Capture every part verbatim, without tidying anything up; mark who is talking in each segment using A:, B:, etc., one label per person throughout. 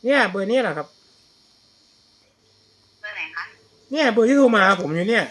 A: เนี่ยเบอร์นี้แหละครับ
B: เบอร์ไหนคะ
A: เนี่ยเบอร์ที่โทรมาผมอยู่เนี่ย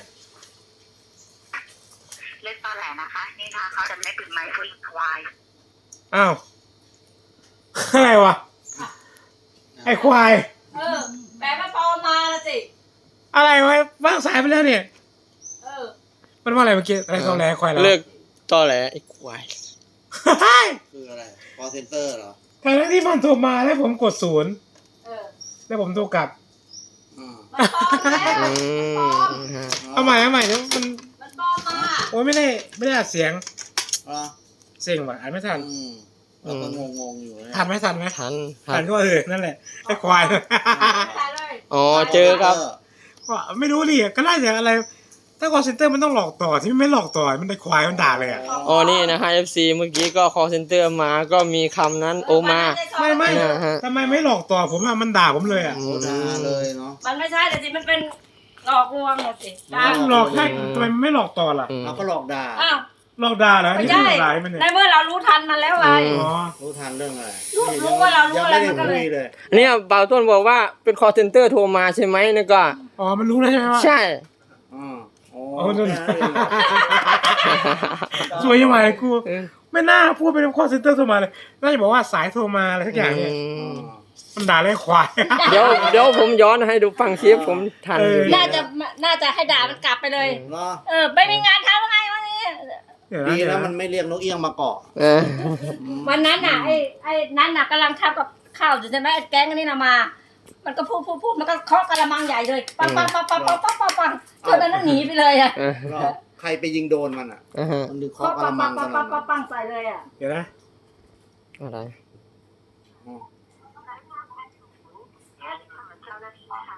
B: เล่นตอนไหนนะคะนี่ทางเขาจะไม่ปิดไมค์คุยควาย
A: อ้าวอะไรวะไอ้ควาย
C: เออแปลว่าปอมาละสิ
A: อะไรวะว่างสายไปแล้วเนี่ย
C: เออ
A: มันว่าอะไรเมื่อกี้อะไรตอแหลควายเหรอ
D: เลิกตอแหลไอ้ควาย
E: คืออะไร call center เหรอ
A: ทั้งที่มันโทรมาแล้วผมกดศูนย์
C: เออ
A: แล้วผมโทรกลับ
E: อ่า
C: มันปลอมแล้วมันปลอม
A: เอาใหม่เอาใหม่เดี๋ยวมัน
C: มันปลอมมา
A: โอ้ยไม่ได้ไม่ได้อัดเสียง
E: เหรอ
A: เสียงว่ะอ่านไม่ทัน
E: อืมเราก็งงๆอยู่นะ
A: ทันไหมทันไหม
D: ทันทั
A: ทั
D: น
A: นก็เออนั่นแหละไอ้ควาย
C: ได้เลย
D: อ๋อเจอครับ
A: ว่าไม่รู้ดิก็น่าจะอะไรถ้า call center มันต้องหลอกต่อที่ไม่หลอกต่อมันได้ควายมันด่าเลยอ่ะ
D: อ๋อนี่นะฮะ เอฟ ซี เมื่อกี้ก็ call center มาก็มีคำนั้นโอมา
A: ไม่ไม่
D: นะฮะ
A: ทำไมไม่หลอกต่อผมอ่ะมันด่าผมเลยอ่ะ
E: โอ้ด่าเลยเนาะ
C: มันไม่ใช่แต่สิมันเป็นหลอกลวงอะสิ
A: มันหลอกได้ทำไมไม่หลอกต่อล่ะ
D: อืม
E: เอาก็หลอกด่า
C: อ้าว
A: หลอกด่าเหรอ
C: ไม่
A: นี่
C: ใช่
A: คือหลายมันเนี่ย
C: ในเมื่อเรารู้ทันมันแล้วไง
A: อ๋อ
E: รู้ทันเรื่องอะไร
C: รู้รู้ว่าเรารู้
E: ยัง
C: อะไร
E: ไม่ได้
C: มันก็เลย
E: คุยเลย
D: เนี่ยเบาต้นบอกว่าเป็น call center โทรมาใช่ไหมนี่ก็
A: อ๋อมันรู้แล้วใช่ไหมว่า
D: ใช่
E: อ่าโอ้
A: โอ้นั่น
E: แค่นั้นเองเหรอ
A: สวยยังไงกู
D: เออ
A: ไม่น่าพูดเป็น call center โทรมาเลยน่าจะบอกว่าสายโทรมาอะไรสักอย่างเนี่ย
D: อืม
A: มันด่าเลยควาย
D: เดี๋ยวเดี๋ยวผมย้อนให้ดูฟังคลิปผมทัน
A: เออ
D: อยู่
C: น่าจะน่าจะให้ด่ามันกลับไปเลย
E: เนาะ
C: เออไม่มีงานทำไงวันนี้
A: เดี๋ยว
E: ดี
A: นะ
E: แล้วมันไม่เรียกนกเอี้ยงมาเกาะ
D: เออ
C: วันนั้นน่ะไอ้ไอ้นั้นน่ะกำลังทำกับข้าวอยู่ใช่ไหมไอ้แก๊งอันนี้น่ะมา มันก็พูดพูดพูดมันก็เคาะกระมังใหญ่เลยปังปังปังปังปังปังปังปังจนนั้นหนีไปเลยอ่ะ
D: เออ
E: แล้วใครไปยิงโดนมันอ่ะ
D: อ่าฮะ
E: มันดึง
C: ปั
E: เคาะ
C: ง
E: ก
C: ปั
E: ระ
C: ง
E: มั
C: ปั
E: ง
C: ง
E: ข
C: ปัง
E: นา
C: ปั
E: ด
C: ง
E: นั้น
C: ปังปังใส่เลยอ่ะ
A: เดี๋ยวนะ
D: อะไร
E: อ๋อ
B: เจ้าหน้าที่ค่ะ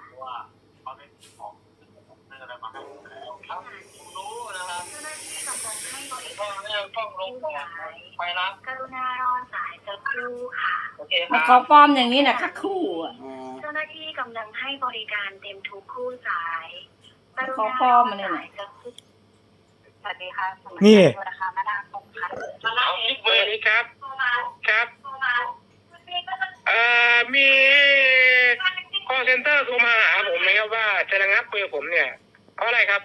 B: กรุณารอสายสักครู่ค่ะ
C: มันของปลอมอย่างนี้น่ะคักคู่อ่ะ
E: อ๋อ
B: เจ้าหน้าที่กำลังให้บริการเต็มทุกคู่สายกรุ
C: ของ
B: ณา
C: ปลอมมันเนี่ย
B: สายสักครู่สวัสดีค่ะ
A: นี่
B: นะคะมาดามตรงค่ะ
A: เอาคลิปเบอร์นี้ครับ
B: โทรมา
A: ครับ
B: โทรมา
A: เอ่อมี call center โทรมาหาผมนะครับว่าจะระงับเบอร์ผมเนี่ยเพราะอะไรครับ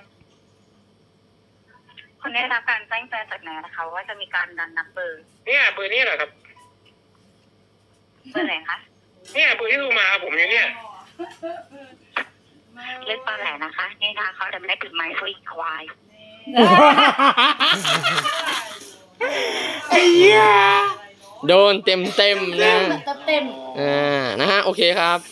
B: คุณได้รับการแจ้งเตือนจากไหนนะคะว่าจะมีการดันนับเบอร์
A: เนี่ยเบอร์นี้เหรอครับ
B: เบอร์ไหนคะ
A: เนี่ยเบอร์ที่โทรมาหาผมอยู่เนี่ย
B: เล่นตอนไหนนะคะนี่ทางเขาจะไม่ปิดไมค์คุยควาย
A: ไอ้เหี้ย
D: โดนเต็มเต็มๆนะ
C: เต็ม
D: อ่านะฮะ โอเคครับ